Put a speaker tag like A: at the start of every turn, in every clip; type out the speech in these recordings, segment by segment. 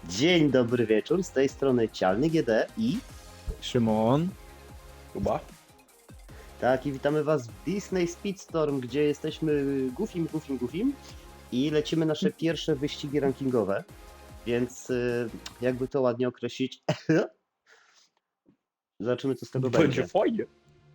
A: Dzień dobry wieczór, z tej strony Cialny GD i...
B: Szymon.
C: Kuba?
A: Tak, i witamy was w Disney Speedstorm, gdzie jesteśmy Goofim i lecimy nasze pierwsze wyścigi rankingowe, więc jakby to ładnie określić, zobaczymy co z tego będzie.
C: Będzie fajnie.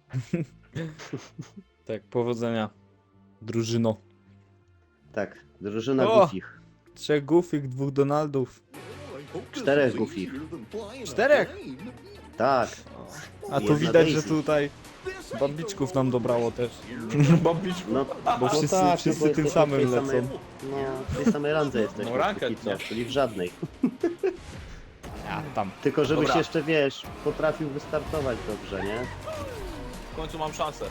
B: Tak, powodzenia. Drużyno.
A: Tak, drużyna
B: O!
A: Goofich.
B: 3 Goofych, 2 Donaldów.
A: 4 Goofich.
B: 4?
A: Tak,
B: A tu
A: Jedna
B: widać, że
A: Daisy.
B: tutaj bambiczków nam dobrało też.
C: Bambiczku.
A: no
B: Bo wszyscy,
A: tak,
B: wszyscy
A: bo
B: tym
A: jesteśmy
B: samym
A: w tej samej-
B: lecą.
A: No, w tej samej randze jesteśmy,
C: No, ranket,
A: póki co,
C: nie?
A: czyli w żadnej.
B: A, tam.
A: Tylko żebyś
C: Dobra.
A: jeszcze, wiesz, potrafił wystartować dobrze, nie?
C: W końcu mam szansę.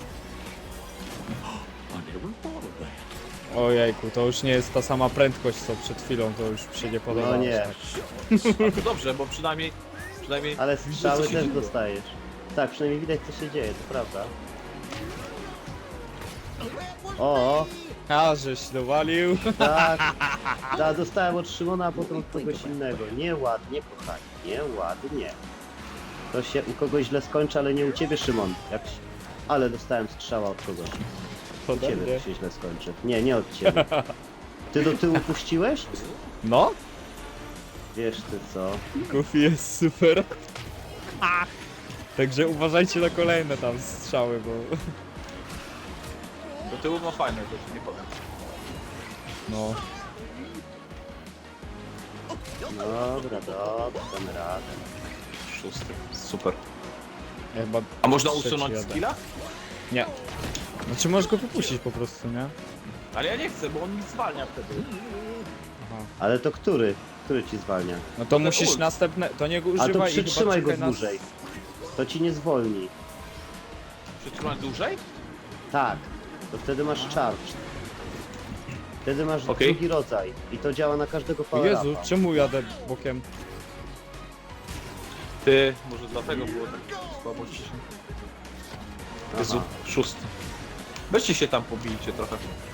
B: Ojejku, to już nie jest ta sama prędkość co przed chwilą, to już się nie podoba.
A: No
B: aż
A: nie.
B: tak.
C: Ale to dobrze, bo przynajmniej
A: Ale
C: widzę,
A: strzały
C: co się
A: też
C: dzieje.
A: dostajesz. Tak, przynajmniej widać co się dzieje, to prawda. O,
B: A, żeś dowalił.
A: tak. Tak, dostałem od Szymona, a potem od kogoś innego. Nieładnie, kochani, nieładnie. To się u kogoś źle skończy, ale nie u ciebie, Szymon. Ale dostałem strzała od kogoś.
B: To
A: U ciebie
B: dobrze.
A: to się źle skończy. Nie, nie od ciebie. Ty do tyłu puściłeś?
B: No,
A: Wiesz ty co.
B: Goofy jest super. Także uważajcie na kolejne tam strzały, bo...
C: do tyłu ma fajne, to ci nie powiem.
B: No.
A: Dobra, damy radę.
C: 6. Super.
B: Ja chyba
C: A można
B: trzeci
C: usunąć
B: jadę.
C: skilla?
B: Nie. Znaczy możesz go wypuścić po prostu, nie?
C: Ale ja nie chcę, bo on mi zwalnia wtedy.
B: Aha.
A: Ale to który? Który ci zwalnia?
B: No to musisz
C: ult.
B: następne... To nie go
A: A
B: używaj
A: to
B: i chyba
A: przytrzymaj go
B: czekaj na-
A: dłużej. To ci nie zwolni.
C: Przytrzymać dłużej?
A: Tak, to wtedy masz charge. Wtedy masz
C: Okej.
A: drugi rodzaj i to działa na każdego
B: O
A: power
B: Jezu, czemu jadę bokiem?
C: Ty, może dlatego było tak słabo ci się. Jezu, 6. Weźcie się tam pobijcie trochę.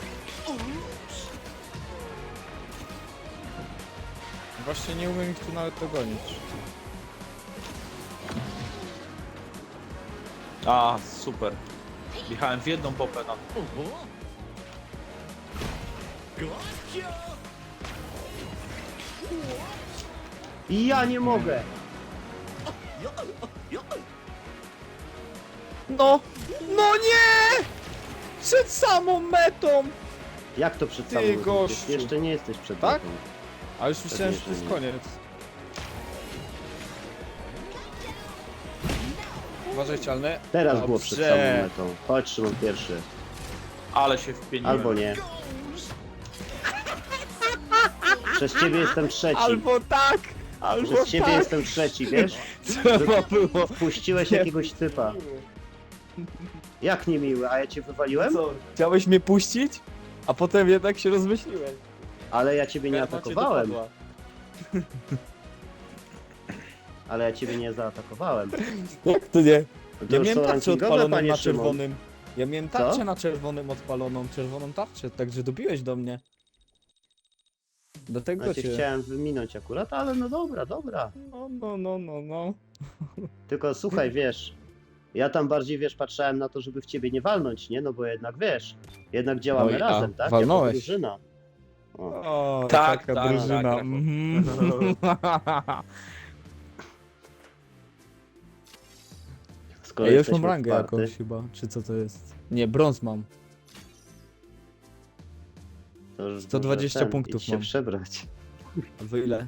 B: Właśnie nie umiem ich tu nawet dogonić.
C: A, super. Jechałem w jedną popę na...
A: I ja nie mogę!
B: No! No nie! Przed samą metą!
A: Jak to przed
B: Ty,
A: samym
B: gościu.
A: Jeszcze nie jesteś przed
B: Tak?
A: metą.
B: A już myślałem, że to
A: Pewnie,
B: jest
A: że nie.
B: koniec. Uważaj, cialny.
A: Teraz było przed
B: Dobrze.
A: samą metą. Chodź Szymon pierwszy.
C: Ale się wpieniłem.
A: Albo nie. Przez ciebie jestem trzeci.
B: Albo tak! Albo
A: Przez ciebie
B: tak!
A: jestem trzeci, wiesz?
B: Trzeba było.
A: Wpuściłeś
B: Nie.
A: jakiegoś typa. Jak niemiły, a ja cię wywaliłem?
B: Co? Chciałeś mnie puścić? A potem jednak się rozmyśliłeś.
A: Ale ja ciebie nie
B: Karma cię
A: atakowałem.
B: dopadła.
A: Ale ja ciebie nie zaatakowałem.
B: Jak to nie?
A: No to
B: Ja
A: już
B: miałem
A: są
B: tarczę
A: rankingowe,
B: odpaloną
A: panie
B: na
A: Szymon.
B: czerwonym. Ja miałem
A: Co?
B: tarczę na czerwonym odpaloną, czerwoną tarczę, także dobiłeś do mnie. Do tego
A: Ja cię
B: cię.
A: chciałem wyminąć akurat, ale no dobra, dobra.
B: No.
A: Tylko słuchaj, wiesz, ja tam bardziej, wiesz, patrzałem na to, żeby w ciebie nie walnąć, nie? No bo jednak, wiesz, jednak działamy
B: Oj, a
A: razem, tak?
B: walnąłeś.
A: Jako drużyna. O.
B: O,
C: Tak,
B: taka
C: tak,
B: drużyna.
C: tak,
B: Mhm.
A: Skoro
B: Ja już
A: jesteśmy
B: mam rangę
A: otwarty,
B: jakąś chyba, czy co to jest? Nie, brąz mam.
A: to już
B: 120
A: może
B: punktów
A: idź się
B: mam.
A: przebrać.
B: A wy ile?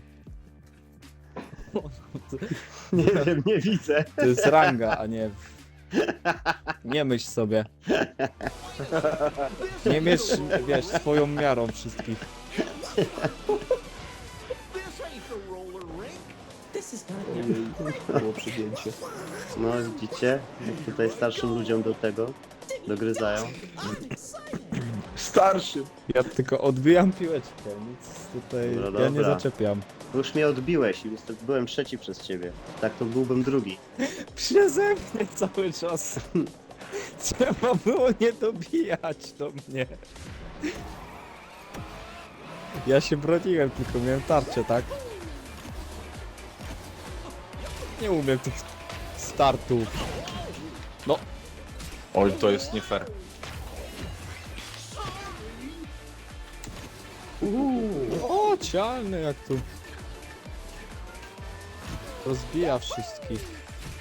A: Nie wiem, nie widzę.
B: To jest ranga, a nie... Nie myśl sobie. Nie mierz, wiesz, swoją miarą wszystkich.
C: Było przygięcie.
A: No widzicie, jak tutaj starszym ludziom do tego dogryzają.
C: Starszy.
B: Ja tylko odbijam piłeczkę, nic tutaj
A: Dobra,
B: ja nie
A: dobra.
B: zaczepiam.
A: Już mnie odbiłeś i niestety byłem trzeci przez ciebie. Tak to byłbym drugi.
B: Przeze mnie cały czas. Trzeba było nie dobijać do mnie. Ja się broniłem, tylko miałem tarczę, tak? Nie umiem tych startów. No,
C: Oj, to jest nie fair.
B: o, cialny jak tu. Rozbija wszystkich.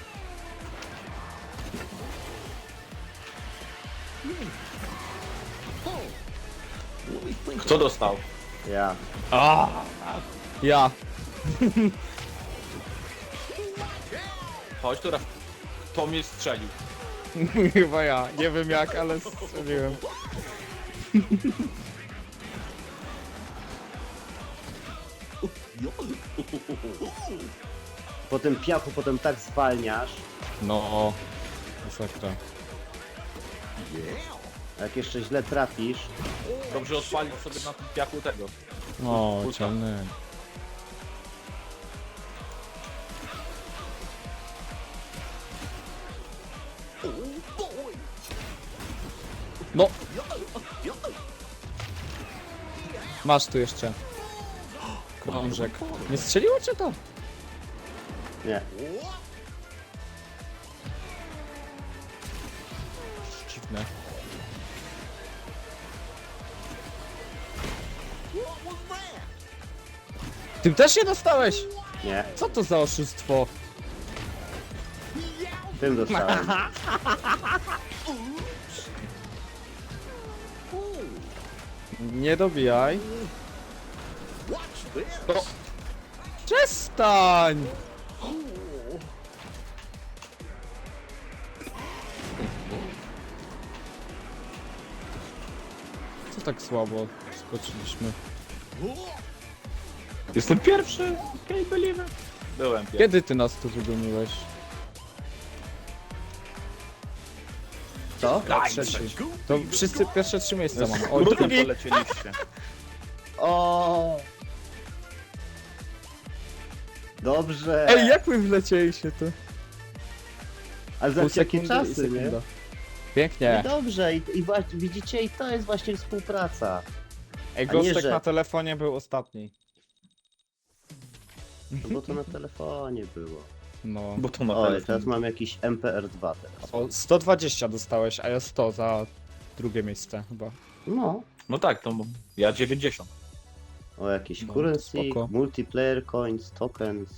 C: Kto dostał?
A: Ja.
B: Ja.
C: Chodź, teraz. Kto mnie strzelił?
B: Chyba ja. Nie wiem jak, ale strzeliłem.
A: Po tym piachu potem tak zwalniasz.
B: No. Masakra.
A: A jak jeszcze źle trafisz,
C: Dobrze odpalić sobie na tym piachu tego.
B: No,
C: Kulka.
B: cialny. No. Masz tu jeszcze. Krążek. Nie strzeliło cię to?
A: nie.
B: Dziwne. Tym też nie dostałeś?
A: Nie.
B: Co to za oszustwo?
A: Tym dostałem.
B: Nie dobijaj. No. Przestań! Co tak słabo skoczyliśmy?
C: Jestem pierwszy! Can't believe it. Byłem pierwszy.
B: Kiedy ty nas tu wygoniłeś?
A: Co?
B: Ja trzeci. To wszyscy pierwsze 3 miejsca mamy. O,
C: Drugi
B: drugi.
C: polecieliście.
A: O. Dobrze.
B: Ej, jak my wlecieliście tu?
A: Ale za
B: Pół
A: jakie
B: sekundy i
A: czasy, nie?
B: sekunda. Pięknie.
A: I dobrze, i właśnie, widzicie, i to jest właśnie współpraca.
B: Ej,
A: A nie,
B: Gostek
A: że-
B: na telefonie był ostatni.
A: No bo to na telefonie było.
B: No.
C: Bo to na
A: Oj,
C: telefon.
A: teraz mam jakiś MPR2 teraz.
B: O, 120 dostałeś, a ja 100 za drugie miejsce chyba.
A: No.
C: No tak, to ja 90.
A: O jakieś
B: No,
A: currency,
B: spoko.
A: multiplayer coins, tokens.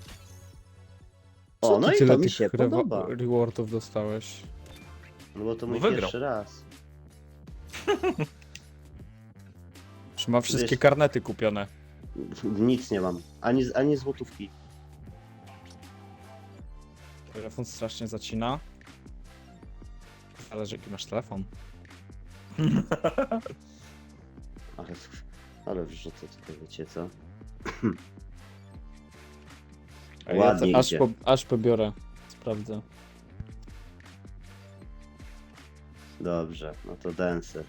B: Co
A: O, no
B: ty
A: i
B: tyle
A: to mi
B: tych
A: się podoba.
B: rewardów dostałeś?
A: No bo to mój
C: wygrał.
A: pierwszy raz.
B: Czy ma wszystkie
A: Wiesz-
B: karnety kupione?
A: Nic nie mam. Ani złotówki.
B: Telefon strasznie zacina. Zależy jaki masz telefon.
A: Ale wrzucę tutaj, wiecie co?
B: A
A: Ładnie
B: ja
A: idzie.
B: aż pobiorę. Sprawdzę.
A: Dobrze, no to dancer.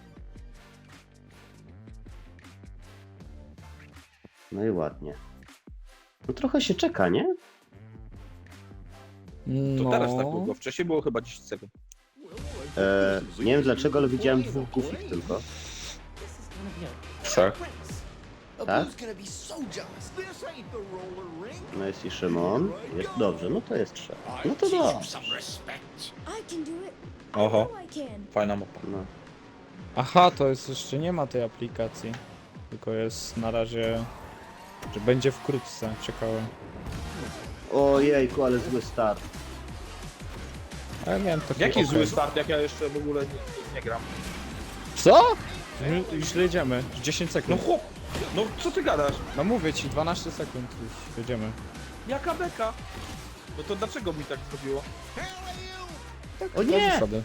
A: No i ładnie. No trochę się czeka, nie?
C: To
B: No.
C: teraz tak długo. Wcześniej było chyba 10 sekund.
A: Nie wiem dlaczego, ale widziałem 2 gufik tylko.
C: Tak.
A: Tak? No jest i Szymon. Jest dobrze, no to jest 3. No to dobrze.
D: I can do it.
C: Oho,
D: Oh, I can.
C: fajna mapa.
A: No.
B: Aha, to jest jeszcze nie ma tej aplikacji. Tylko jest na razie. Że będzie wkrótce, czekałem.
A: Ojejku, ale zły start.
B: A ja miałem taki
C: Jaki
B: okres.
C: zły start, jak ja jeszcze w ogóle nie gram.
B: Co? Już jedziemy, już 10
C: No
B: sekund.
C: chłop, no co ty gadasz?
B: No mówię ci, 12 sekund już jedziemy.
C: Jaka beka? No to dlaczego mi tak zrobiło?
A: O
B: Na
A: nie!
B: zasady.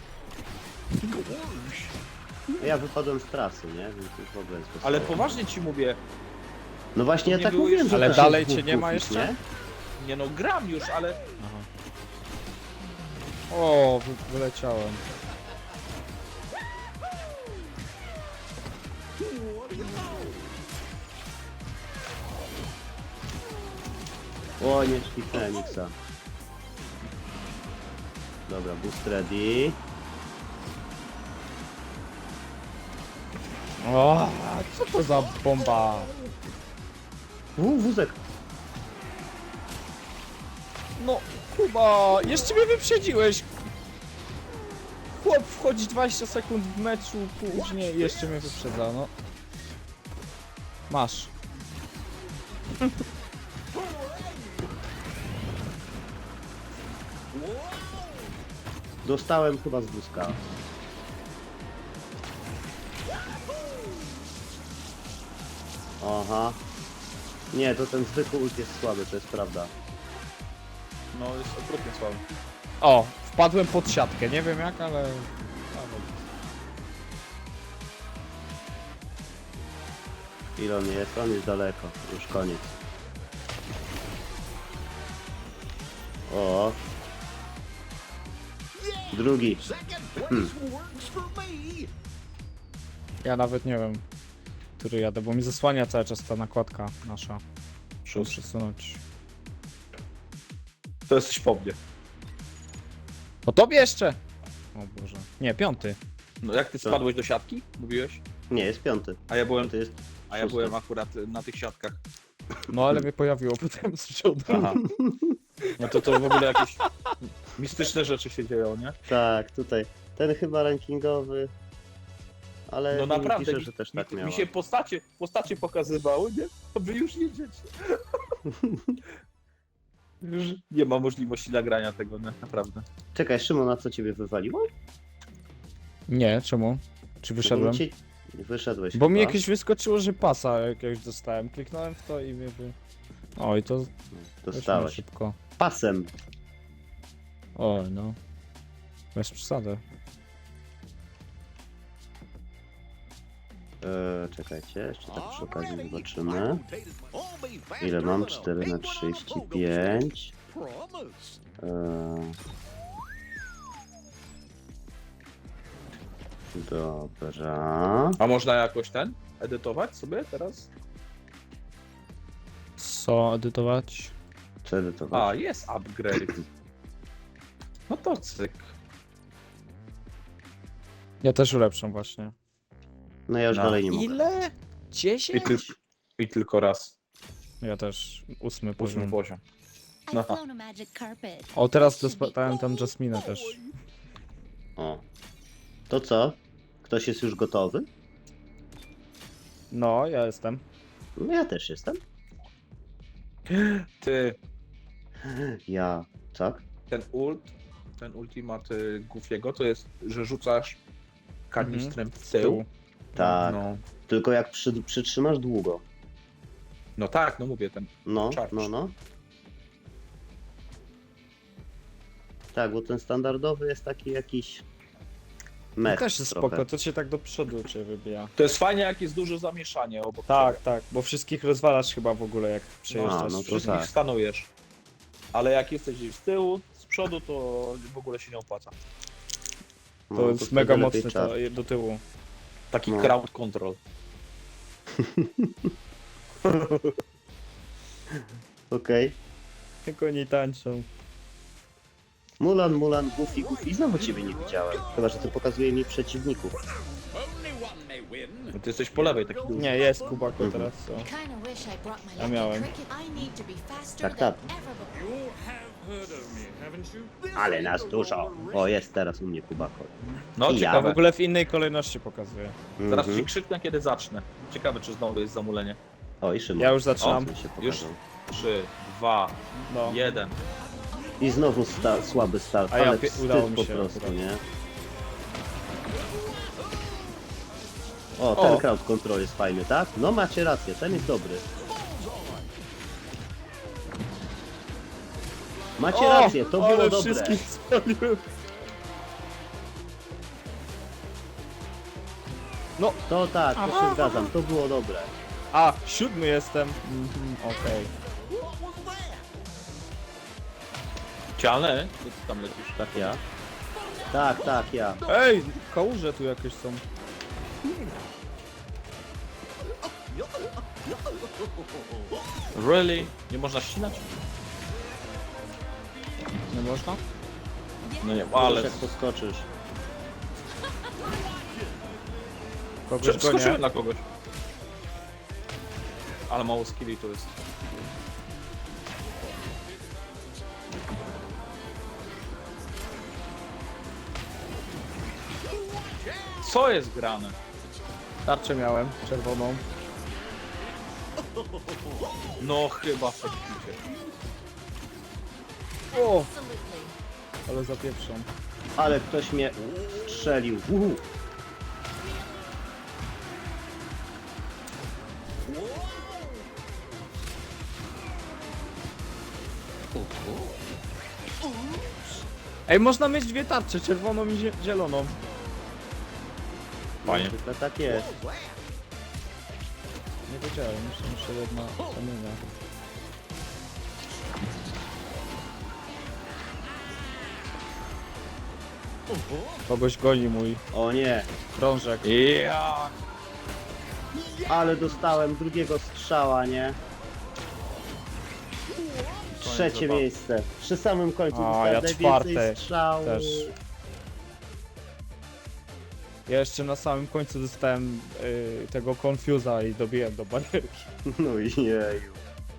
A: Ja wypadłem z trasy, nie? Więc już w ogóle jest bez
C: Ale
A: sensu.
C: poważnie ci mówię,
A: No właśnie, ja
C: nie
A: tak
C: było
A: mówiłem,
C: jeszcze-
A: że
B: Ale
A: też
B: dalej
A: jest
B: cię nie ma
A: gufik,
B: jeszcze?
A: nie?
C: nie no gram już, ale
B: Aha. O, wyleciałem.
A: O, nie szpiknąłem Xa. Dobra, boost ready.
B: O, co to za bomba?
A: Wózek.
C: no
B: Kuba, jeszcze mnie wyprzedziłeś. Chłop wchodzi 20 sekund w meczu później i jeszcze mnie wyprzedza, no. Masz.
A: Dostałem chyba z wózka. Aha. Nie, to ten zwykły ult jest słaby, to jest prawda.
C: No, jest okrutnie słaby.
B: O, wpadłem pod siatkę, nie wiem jak, ale...
A: Ile on jest? On jest daleko. Już koniec. O. Drugi.
B: Ja nawet nie wiem, który jadę, bo mi zasłania cały czas ta nakładka nasza. Muszę przesunąć.
C: To jesteś po mnie.
B: Po tobie jeszcze! O Boże. Nie, 5.
C: No jak ty
A: Co?
C: spadłeś do siatki? Mówiłeś?
A: Nie, jest piąty.
C: A ja byłem,
A: Piąty jest
C: a ja
A: szósty.
C: byłem akurat na tych siatkach.
B: No ale mnie pojawiło potem z przodu.
C: Aha. No to w ogóle jakieś mistyczne rzeczy się dzieją, nie?
A: Tak, tutaj. Ten chyba rankingowy. Ale
C: No
A: mi
C: naprawdę,
A: pisze, że też tak
C: mi
A: miała.
C: się postacie pokazywały, nie? To wy już jedziecie. Już nie ma możliwości nagrania tego, nie? Naprawdę.
A: Czekaj, Szymon, a co ciebie wywaliło?
B: Nie, czemu? Czy wyszedłem?
A: Ci... Wyszedłeś
B: Bo mi
A: chyba.
B: jakieś wyskoczyło, że pasa jakiegoś dostałem. Kliknąłem w to i mnie wy... O, i to weźmy
A: Dostałeś.
B: szybko.
A: Pasem.
B: O, no. Bez przesady.
A: Czekajcie, jeszcze tak przy okazji zobaczymy. Ile mam? 4 na 35. Dobra.
C: A można jakoś edytować sobie teraz?
B: Co edytować?
A: Co edytować?
C: A, jest upgrade. No to cyk.
B: Ja też ulepszam właśnie.
A: No ja już
C: No.
A: dalej nie mogę.
B: Ile? 10?
C: I tylko raz.
B: Ja też 8
C: 8
B: poziom.
C: poziom.
D: I
C: No.
D: found a magic carpet.
B: O, teraz dostałem tam Jasminę też.
A: O. To co? Ktoś jest już gotowy?
B: No, ja jestem.
A: No ja też jestem.
C: Ty,
A: Ja. Tak?
C: ten ultimat Goofiego to jest, że rzucasz kanistrem w
B: Z
C: tył.
B: tyłu.
A: Tak.
C: No,
A: Tylko jak przytrzymasz długo.
C: no tak, no mówię, ten.
A: No,
C: Charge.
A: no. Tak, bo ten standardowy jest taki jakiś
B: To
A: mech
B: też jest
A: trochę.
B: spoko, to cię tak do przodu cię wybija.
C: To jest fajnie, jak jest duże zamieszanie obok
B: Tak,
C: ciebie.
B: tak, bo wszystkich rozwalasz chyba w ogóle jak przejeżdżasz.
A: no to
C: Wszystkich
A: tak.
C: stanujesz. Ale jak jesteś gdzieś z tyłu, z przodu, to w ogóle się nie opłaca.
A: No,
B: To jest
A: wtedy
B: mega
A: lepiej
B: mocne
A: czas.
B: to do tyłu.
C: Taki
A: No.
C: crowd control.
A: Okej.
B: Jak oni tańczą.
A: Mulan, Goofy. Znowu ciebie nie widziałem. Chyba, że to pokazuje mi przeciwników.
C: Ty jesteś po lewej, taki duży.
B: Nie, jest Kubako
A: Mhm.
B: teraz, co?
D: Kinda wish I brought my
B: Ja
D: lucky
B: miałem.
D: cricket. I need to be faster
A: Tak,
D: than
A: tak.
D: ever before.
A: Ale nas dużo. O, jest teraz u mnie Kubako.
C: No,
A: I ja.
B: A w
C: ciekawe.
B: ogóle w innej kolejności pokazuje.
C: Zaraz
A: Mhm.
C: ci krzyknę, kiedy zacznę. Ciekawe, czy znowu jest zamulenie.
A: O, i Szymon.
B: Ja już zaczynam.
A: O, mi się
C: Już?
A: pokazał.
C: 3, 2,
B: No.
C: 1.
A: I znowu słaby start,
B: A ja
A: ale
B: udało
A: wstyd
B: mi
A: po
B: się
A: prostu,
B: akurat.
A: nie? O, ten
B: O.
A: crowd control jest fajny, tak? No macie rację, ten jest dobry. Macie rację, to było
B: ale
A: dobre.
B: wszystkich spaliłem.
A: To tak, to się zgadzam, to było dobre.
B: A, 7 jestem. Okej.
C: Cialne? Co ty tam lecisz?
A: Tak ja? Tak, ja.
B: Ej, kałuże tu jakieś są.
C: Really? Nie można ścinać?
B: Nie można?
C: No nie,
A: Ale
C: ale...
A: jak poskoczysz.
B: Kogoś gonię.
C: Skoczyłem na kogoś. Ale mało skilli to jest. Co jest grane?
B: Tarczę miałem, czerwoną.
C: No chyba faktycznie.
B: O!
D: Absolutely.
B: Ale zapieprzą.
A: Ale ktoś mnie strzelił. Uhu.
B: Ej, można mieć dwie tarcze, czerwoną i zieloną.
C: Fajnie.
A: To tak jest.
B: Nie wiedziałem, muszę jedna kamienia. Kogoś goni mój
A: O nie,
B: krążek.
C: Ja.
A: ale dostałem drugiego strzała, nie? Trzecie
C: zabawy.
A: miejsce. Przy samym końcu
B: A,
A: dostałem
B: ja
A: najwięcej
B: czwarte
A: strzałów.
B: też. Ja jeszcze na samym końcu dostałem tego Confusa i dobiłem do barierki.
A: No jeju.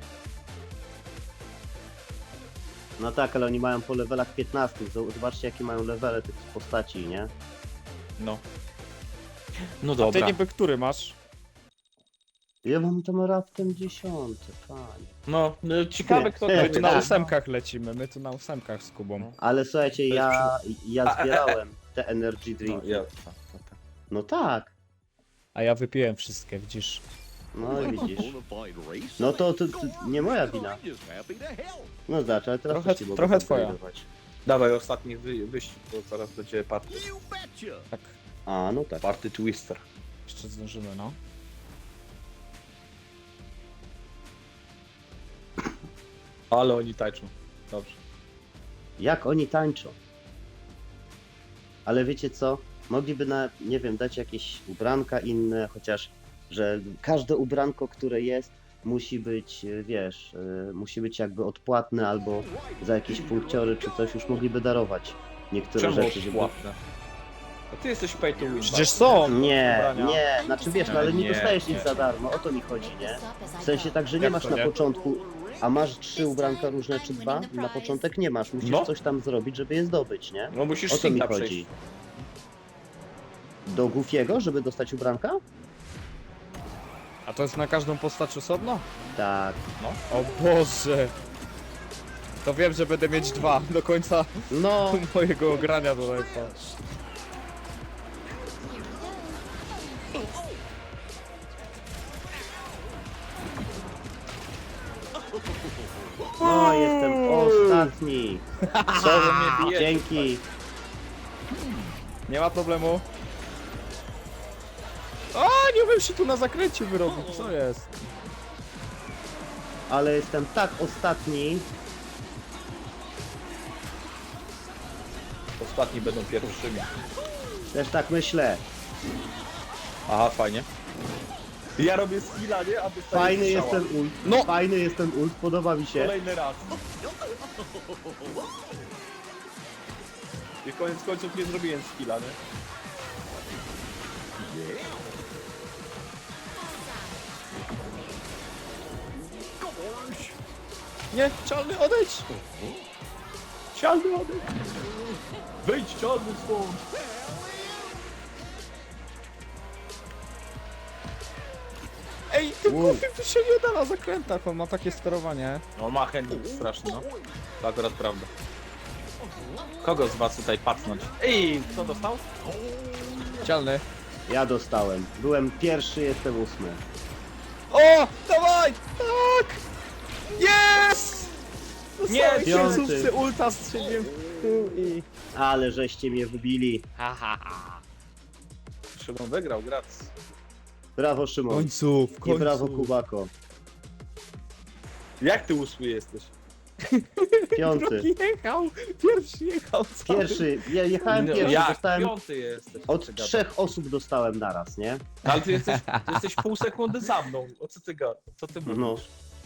A: No tak, ale oni mają po levelach 15. Zobaczcie jakie mają levele tych postaci, nie?
C: No. No
B: Ty
C: dobra.
B: niby który masz?
A: Ja mam tam raptem 10, panie.
C: No, ciekawe kto to
B: My tu na
A: Tak.
B: ósemkach lecimy, my tu na ósemkach z Kubą.
A: Ale słuchajcie,
C: To
A: ja zbierałem te energy
C: No,
A: drinki.
C: ja.
A: No tak.
B: A ja wypiłem wszystkie, widzisz?
A: No i widzisz. No to nie moja wina. No zobacz, ale teraz
B: Trochę-
A: też ci mogę
B: trochę twoja.
A: upgrade'ować.
C: Dawaj ostatni wyścig, bo zaraz będzie party.
B: Tak,
A: A, no tak.
C: Party Twister.
B: jeszcze zdążymy, no.
C: Ale oni tańczą. Dobrze.
A: Jak oni tańczą. Ale wiecie co? Mogliby nie wiem, dać jakieś ubranka inne, chociaż, że każde ubranko, które jest, musi być, wiesz, musi być jakby odpłatne albo za jakieś punkciory czy coś już mogliby darować niektóre
C: Czemu
A: rzeczy, żeby...
C: płatne? A ty jesteś pay to win.
B: Przecież są!
A: Nie,
B: ubrania.
A: nie, znaczy wiesz, no ale nie
C: Nie,
A: dostajesz
C: nie.
A: nic za darmo, o to mi chodzi, nie? W sensie tak, że nie
B: Jak
A: masz
B: to
A: na
B: nie?
A: początku, a masz 3 ubranka różne czy 2, na początek nie masz, musisz
C: No.
A: coś tam zrobić, żeby je zdobyć, nie?
C: No musisz
A: O to mi
C: Sinta
A: chodzi.
C: przejść.
A: Do Goofiego, żeby dostać ubranka?
B: A to jest na każdą postać osobno?
A: Tak.
B: O Boże! To wiem, że będę mieć dwa do końca
A: No,
B: mojego grania do live'a.
A: no jestem ostatni.
C: Co wy mnie bijecie?
A: Dzięki.
B: Nie ma problemu. A, nie umiem się tu na zakręcie wyrobić, co jest?
A: Ale jestem tak ostatni.
C: Ostatni będą pierwszymi.
A: Też tak myślę.
C: Aha, fajnie. Ja robię skilla, nie? A dostaję
A: Fajny
C: strzała.
A: jest ten ult.
B: No.
A: Fajny jest ten ult, podoba mi się.
C: Kolejny raz. I koniec końców nie zrobiłem skilla, nie?
B: Nie, czarny, odejdź!
C: Cialny odejdź! Wyjdź cialny stąd!
B: Ej, tym
A: Wow.
B: głupim tu się nie da na zakrętach, on ma takie sterowanie.
C: No ma handling straszny, no. To akurat prawda. Kogo z was tutaj pacnąć? Ej, kto dostał?
B: Cialny.
A: Ja dostałem. Byłem pierwszy, jestem 8.
B: O! Dawaj! Tak! Yes!
C: Nie,
B: Dostałem
A: piąty.
B: końcówce ulta, strzeliłem w tył i...
A: Ale żeście mnie wybili.
C: Szymon wygrał, grac.
A: Brawo
B: W
A: Szymon.
B: końcu, w
A: I
B: końcu.
A: brawo Kubako.
C: Jak ty 8 jesteś?
A: 5.
B: Drugi jechał, pierwszy jechał cały.
A: Pierwszy, ja jechałem pierwszy,
C: Jak?
A: dostałem...
C: 5 jesteś.
A: Od
C: Co ty
A: 3 osób dostałem naraz, nie?
C: gadasz? Ale ty jesteś pół sekundy za mną. O co ty gadasz? Co ty mówisz?
A: No.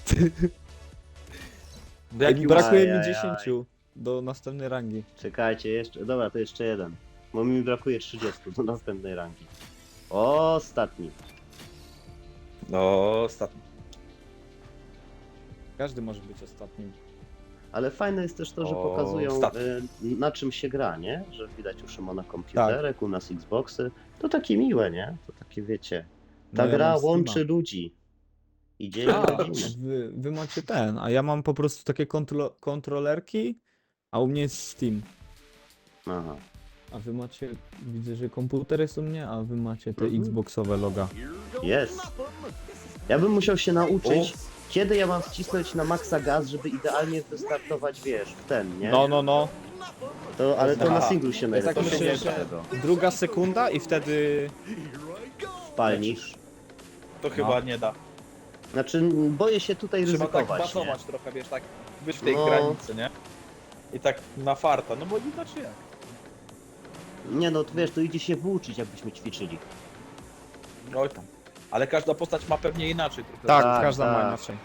C: Jaki
B: Brakuje mi
A: Ajajaj.
B: 10 do następnej rangi.
A: Czekajcie, jeszcze. Dobra, to jeszcze jeden. Bo mi brakuje 30 do następnej rangi. Ostatni.
C: No, ostatni.
B: Każdy może być ostatnim.
A: Ale fajne jest też to, że
C: O,
A: pokazują
C: stat.
A: na czym się gra, nie? Że widać u Szymona komputerek, u nas Xboxy. To takie miłe, nie? To takie wiecie. Ta
B: No ja
A: gra
B: mam Steama.
A: łączy ludzi. I dzieli
B: A,
A: rodziny.
B: wy macie ten, a ja mam po prostu takie kontrolerki, a u mnie jest Steam.
A: Aha.
B: A wy macie, widzę, że komputer jest u mnie, a wy macie te
A: Mhm.
B: Xboxowe loga.
A: Jest. Ja bym musiał się nauczyć, kiedy ja mam wcisnąć na maksa gaz, żeby idealnie wystartować, wiesz, w ten, nie?
B: No.
A: To, ale to na
C: Aha.
A: singlu się
B: Ja tak
A: najlepiej
B: myślę,
A: używa
B: że
A: tego.
B: druga sekunda i wtedy...
A: Palnik.
C: To chyba nie da.
A: Znaczy, boję się tutaj
C: Trzeba tak
A: ryzykować, nie?
C: basować trochę, wiesz, tak być w tej
A: No.
C: granicy, nie? I tak na farta, no bo inaczej jak?
A: Nie no, to wiesz, to idzie się włóczyć, jakbyśmy ćwiczyli.
C: Oj tam. Ale każda postać ma pewnie inaczej trochę.
B: Tak,
A: Tak,
B: każda ma
A: tak.
B: inaczej.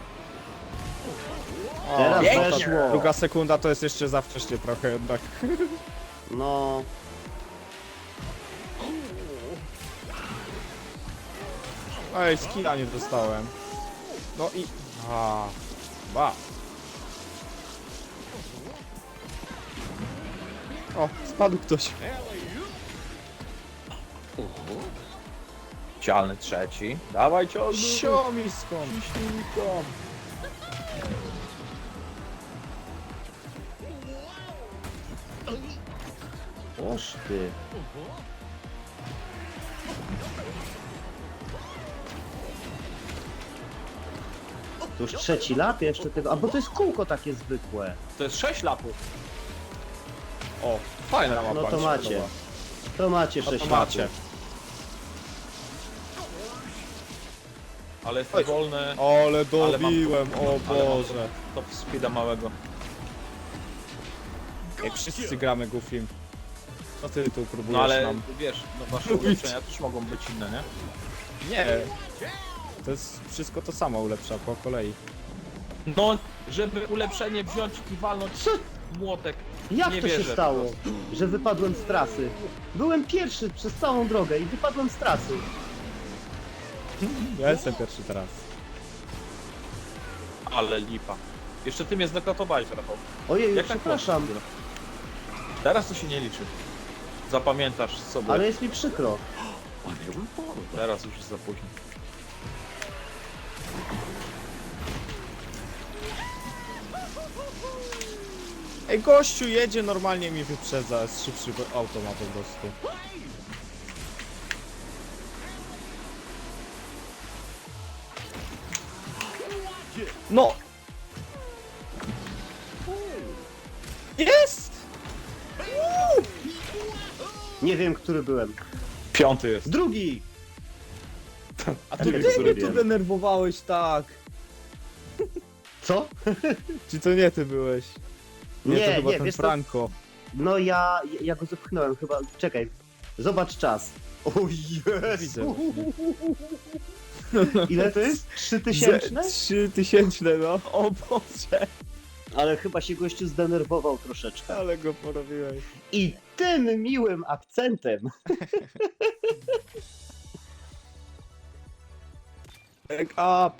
A: Teraz
C: pięknie.
A: weszło.
B: Druga sekunda to jest jeszcze za wcześnie trochę jednak.
A: No,
B: Ej, skilla nie dostałem. No i... Ba. O, spadł ktoś.
C: Cialny trzeci. Dawaj ciągnij.
B: Siomisko.
C: Ciśnijką.
A: oż ty. To już trzeci lap jeszcze tego, a bo to jest kółko takie zwykłe.
C: To jest 6 lapów.
B: O, fajna mapa.
A: No to
B: mi się
A: macie.
B: podoba.
A: To macie
B: No
A: 6
B: to macie.
A: lapów.
C: Ale jest
B: Oj.
C: wolny.
B: Ale dobiłem, o Boże.
C: Top speeda małego.
B: Jak wszyscy gramy Goofim. Co ty tu próbujesz
C: No ale
B: nam?
C: wiesz, no wasze ulepszenia też mogą być inne, nie?
B: Nie. To jest wszystko to samo ulepsza po kolei.
C: No, żeby ulepszenie wziąć i walnąć
A: Co?
C: młotek.
A: Jak
C: Nie
A: to się
C: wierzę
A: stało,
C: po prostu.
A: że wypadłem z trasy? Byłem pierwszy przez całą drogę i wypadłem z trasy.
B: Ja jestem pierwszy teraz.
C: Ale lipa. Jeszcze ty mnie znokatowałeś, Rafał.
A: Ojej,
C: Jak tak
A: przepraszam,
C: można? Teraz to się nie liczy. Zapamiętasz sobie.
A: ale jest mi przykro.
C: Teraz już jest za późno.
B: Ej, gościu jedzie, normalnie mi wyprzedza, jest szybszy auto ma po prostu. No! Jest!
A: Nie wiem, który byłem.
C: Piąty jest.
A: Drugi!
C: A
A: Tak
C: ty
A: jak
C: który
B: Ty mnie tu
A: zrobiłem.
B: denerwowałeś tak!
A: Co?
B: Czy to nie ty byłeś? Nie, to
A: Nie,
B: chyba
A: nie,
B: ten
A: wiesz co?
B: Franco.
A: No ja go zepchnąłem chyba. Czekaj, zobacz czas. O
B: Widzę
A: Jezu!
B: właśnie.
A: Ile to jest? 3000?
B: 3000, no. O Boże!
A: Ale chyba się gościu zdenerwował troszeczkę.
B: Ale go porobiłeś.
A: I tym miłym akcentem.
B: Back up!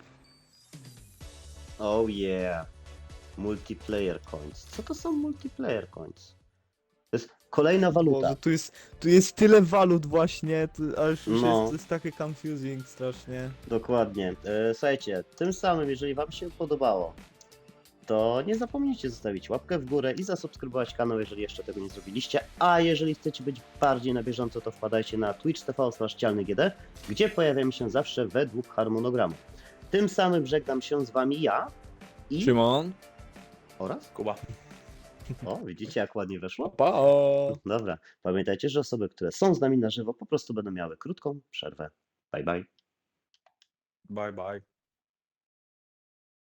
A: Oh yeah. Multiplayer coins. Co to są multiplayer coins? To jest kolejna waluta.
B: Boże, tu jest tyle walut właśnie, aż już
A: No.
B: jest takie confusing strasznie.
A: Dokładnie. Słuchajcie, tym samym, jeżeli wam się podobało, to nie zapomnijcie zostawić łapkę w górę i zasubskrybować kanał, jeżeli jeszcze tego nie zrobiliście. A jeżeli chcecie być bardziej na bieżąco, to wpadajcie na twitch.tv/cialnygd, gdzie pojawiamy się zawsze według harmonogramu. Tym samym żegnam się z wami ja i...
B: Szymon?
A: Oraz?
C: Kuba.
A: O, widzicie jak ładnie weszło?
B: Pa!
A: Dobra, pamiętajcie, że osoby, które są z nami na żywo, po prostu będą miały krótką przerwę. Bye bye.
C: Bye bye.